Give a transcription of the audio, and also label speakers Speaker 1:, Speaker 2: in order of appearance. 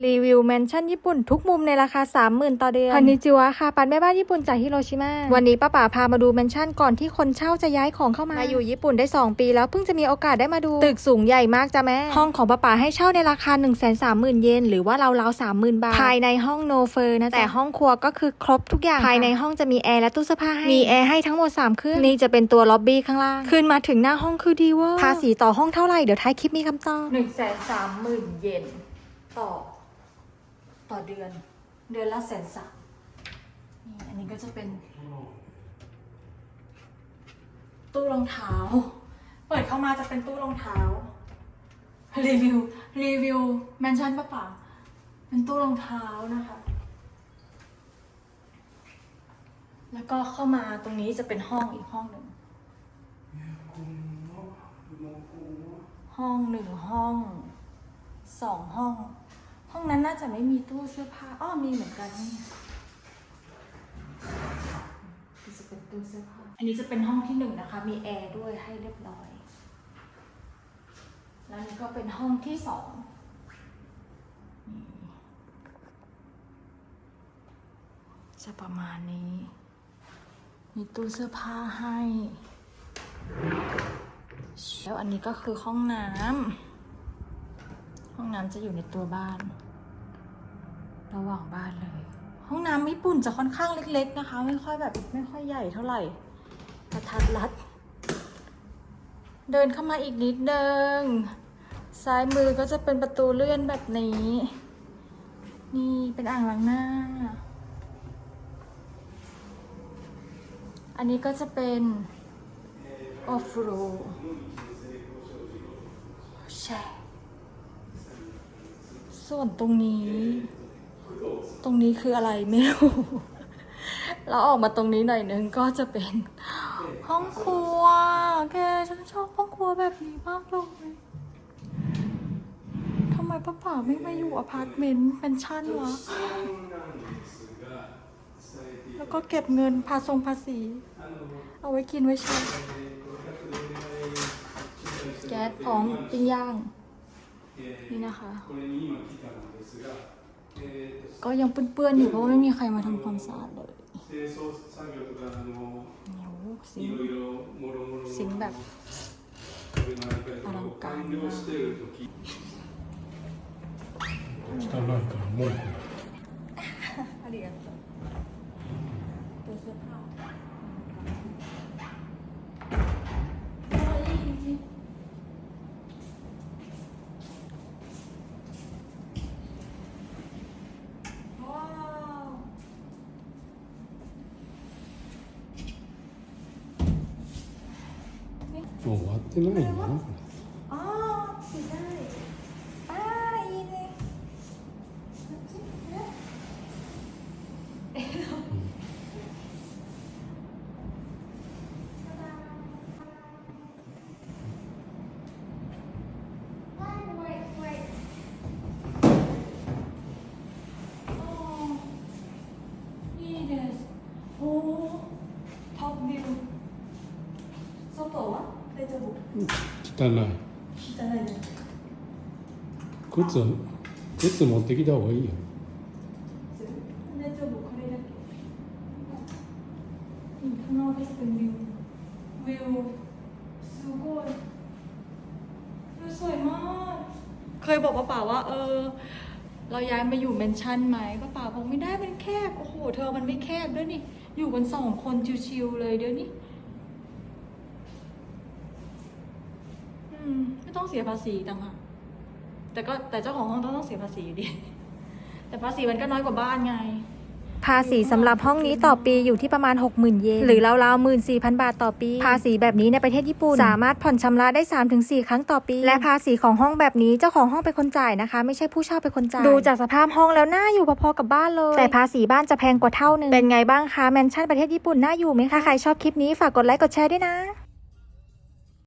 Speaker 1: รีวิวแมนชั่นญี่ปุ่นทุกมุมในราคา 30,000 ต่อเดือนคอนนิจิวะค่ะปันแม่บ้านญี่ปุ่นจากฮิโรชิมาวันนี้ป้าป๋าพามาดูแมนชั่นก่อนที่คนเช่าจะย้ายของเข้ามาอยู่ญี่ปุ่นได้2ปีแล้วเพิ่งจะมีโอกาสได้มาดูตึกสูงใหญ่มากจ้ะแม่ห้องของป้าป๋าให้เช่าในราคา 130,000 เยนหรือว่าราวๆ 30,000 บาทภายในห้องโนเฟอร์นะแต่ห้องครัวก็คือครบทุกอย่างภายในห้องจะมีแอร์และตู้เสื้อผ้าให้มีแอร์ให้ทั้งหมด3เครื่องนี่จะเป็นตัวล็อบบี้ข้างล่างขึ้นมาถึงหน้าห้องคือดีเวอร์ภาษีต่อห้องเท่าไหร่เดี๋ยวท้ายคลิปมีคำตอบ 130,000 เยนต่อเดือนละ130,000นี่อันนี้ก็จะเป็นตู้รองเท้าเปิดเข้ามาจะเป็นตู้รองเท้ารีวิวแมนชั่นป่ะเป็นตู้รองเท้านะคะแล้วก็เข้ามาตรงนี้จะเป็นห้องอีกห้องหนึ่งห้อง1ห้อง2ห้องนั้นน่าจะไม่มีตู้เสื้อผ้ามีเหมือนกันนี่จะเป็นตู้เสื้อผ้าอันนี้จะเป็นห้องที่1นะคะมีแอร์ด้วยให้เรียบร้อยแล้วนี่ก็เป็นห้องที่2จะประมาณนี้มีตู้เสื้อผ้าให้แล้วอันนี้ก็คือห้องน้ำจะอยู่ในตัวบ้านระหว่างบ้านเลยห้องน้ำญี่ปุ่นจะค่อนข้างเล็กๆนะคะไม่ค่อยใหญ่เท่าไหร่กระทัดรัดเดินเข้ามาอีกนิดนึงซ้ายมือก็จะเป็นประตูเลื่อนแบบนี้นี่เป็นอ่างล้างหน้าอันนี้ก็จะเป็นออฟโรดใช่ส่วนตรงนี้คืออะไรไม่รู้แล้วออกมาตรงนี้หน่อยนึงก็จะเป็นห้องครัวแกฉันชอบห้องครัวแบบนี้มากเลยทำไมป้าป๋าไม่มาอยู่อพาร์ตเมนต์เป็นชั้นวะแล้วก็เก็บเงินภาษีเอาไว้กินไว้ใช้แก๊สพร้อมปิ้งย่างนี่นะคะก็ยังเปื้อนๆอยู่เพราะว่าไม่มีใครมาทำความสะอาดเลยสิงแบบอลังการมาก
Speaker 2: 汚いから文句
Speaker 1: ありがとうตัวเสื้อผ้า
Speaker 2: もう終わってないなこ
Speaker 1: ปิดได้いいねいいですおートップビュー外は大丈夫
Speaker 2: れ汚い
Speaker 1: 汚いね
Speaker 2: 靴持ってきた方がいいよ
Speaker 1: 大丈夫これだけข้างนอกก็จะเป็นวิวすごいวิวสวยมากเคยบอกป้าป๋าว่าเราย้ายมาอยู่เมนชั่นไหมป้าป๋าบอกไม่ได้มันแคบโอ้โหเธอมันไม่แคบด้วยนี่อยู่กัน2 คนชิวๆเลยเดี๋ยวนี้ไม่ต้องเสียภาษีต่างหากแต่เจ้าของห้องต้องเสียภาษีอยู่ดีแต่ภาษีมันก็น้อยกว่าบ้านไงภาษีสำหรับห้องนี้ต่อปีอยู่ที่ประมาณ 60,000 เยนหรือราวๆ 14,000 บาทต่อปีภาษีแบบนี้ในประเทศญี่ปุ่นสามารถผ่อนชำระได้ 3-4 ครั้งต่อปีและภาษีของห้องแบบนี้เจ้าของห้องเป็นคนจ่ายนะคะไม่ใช่ผู้เช่าเป็นคนจ่ายดูจากสภาพห้องแล้วน่าอยู่พอๆกับบ้านเลยแต่ภาษีบ้านจะแพงกว่าเท่านึงเป็นไงบ้างคะแมนชั่นประเทศญี่ปุ่นน่าอยู่ไหมคะถ้าใครชอบคลิปนี้ฝากกดไลค์กดแชร์ด้วยนะ